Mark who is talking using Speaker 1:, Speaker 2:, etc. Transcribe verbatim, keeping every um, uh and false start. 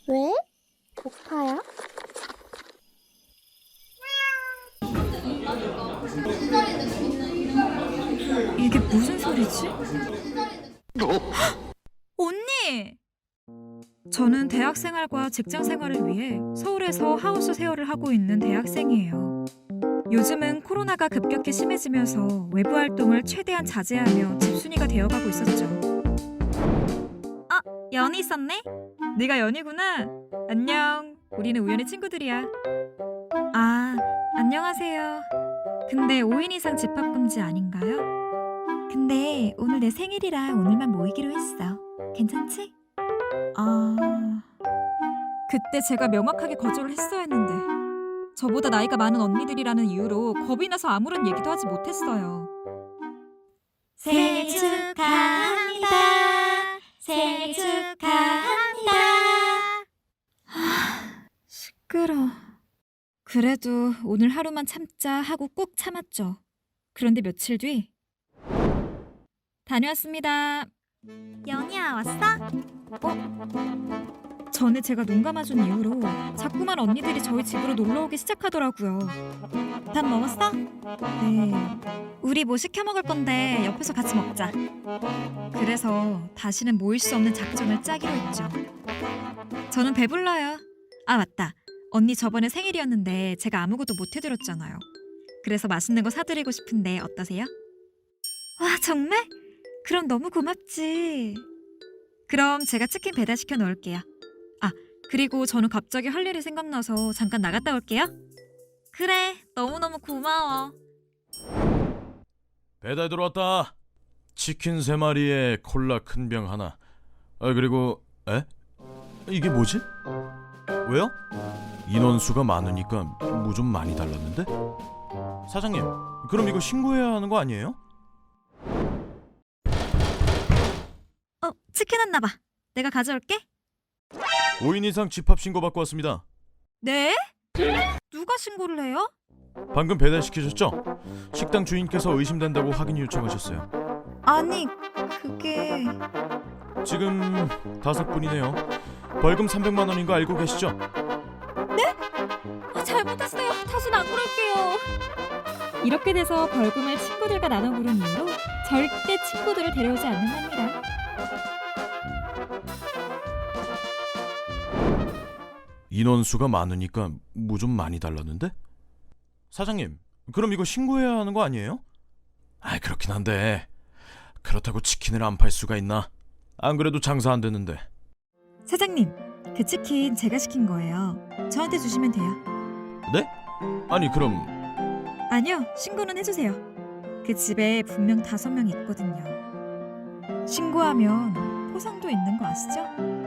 Speaker 1: 왜? 고파요?
Speaker 2: 이게 무슨 소리지? 언니! 저는 대학생활과 직장생활을 위해 서울에서 하우스 세어를 하고 있는 대학생이에요. 요즘은 코로나가 급격히 심해지면서 외부 활동을 최대한 자제하며 집순이가 되어가고 있었죠. 아, 연이 있었네? 네가 연이구나. 안녕. 우리는 우연히 친구들이야. 아, 안녕하세요. 근데 오 인 이상 집합 금지 아닌가요? 근데 오늘 내 생일이라 오늘만 모이기로 했어. 괜찮지? 아... 그때 제가 명확하게 거절을 했어야 했는데 저보다 나이가 많은 언니들이라는 이유로 겁이 나서 아무런 얘기도 하지 못했어요.
Speaker 1: 생일 축하합니다. 생일 축하합니다.
Speaker 2: 시끄러. 그래도 오늘 하루만 참자 하고 꾹 참았죠. 그런데 며칠 뒤 다녀왔습니다.
Speaker 1: 연희야, 왔어?
Speaker 2: 어? 전에 제가 눈 감아준 이후로 자꾸만 언니들이 저희 집으로 놀러오기 시작하더라고요.
Speaker 1: 밥 먹었어?
Speaker 2: 네. 우리 뭐 시켜 먹을 건데 옆에서 같이 먹자. 그래서 다시는 모일 수 없는 작전을 짜기로 했죠. 저는 배불러요. 아, 맞다. 언니 저번에 생일이었는데 제가 아무것도 못 해드렸잖아요. 그래서 맛있는 거 사드리고 싶은데 어떠세요? 와, 정말? 그럼 너무 고맙지. 그럼 제가 치킨 배달시켜 놓을게요. 아, 그리고 저는 갑자기 할 일이 생각나서 잠깐 나갔다 올게요. 그래, 너무너무 고마워.
Speaker 3: 배달 들어왔다. 치킨 세 마리에 콜라 큰 병 하나. 아, 그리고 에? 이게 뭐지? 왜요? 인원수가 많으니까 뭐 좀 많이 달랐는데? 사장님, 그럼 이거 신고해야 하는 거 아니에요?
Speaker 2: 어, 치킨 왔나 봐. 내가 가져올게.
Speaker 3: 오 인 이상 집합 신고 받고 왔습니다.
Speaker 2: 네? 누가 신고를 해요?
Speaker 3: 방금 배달시키셨죠? 식당 주인께서 의심된다고 확인 요청하셨어요.
Speaker 2: 아니, 그게...
Speaker 3: 지금 다섯 분이네요. 벌금 삼백만 원인 거 알고 계시죠?
Speaker 2: 아, 잘못했어요. 다시는 안 그럴게요. 이렇게 돼서 벌금을 친구들과 나눠 부른 이후로 절대 친구들을 데려오지 않는답니다.
Speaker 3: 인원수가 많으니까 뭐 좀 많이 달랐는데? 사장님, 그럼 이거 신고해야 하는 거 아니에요? 아, 그렇긴 한데 그렇다고 치킨을 안 팔 수가 있나? 안 그래도 장사 안 되는데.
Speaker 2: 사장님, 그 치킨 제가 시킨 거예요. 저한테 주시면 돼요.
Speaker 3: 네? 아니 그럼
Speaker 2: 아니요, 신고는 해주세요. 그 집에 분명 다섯 명 있거든요. 신고하면 포상도 있는 거 아시죠?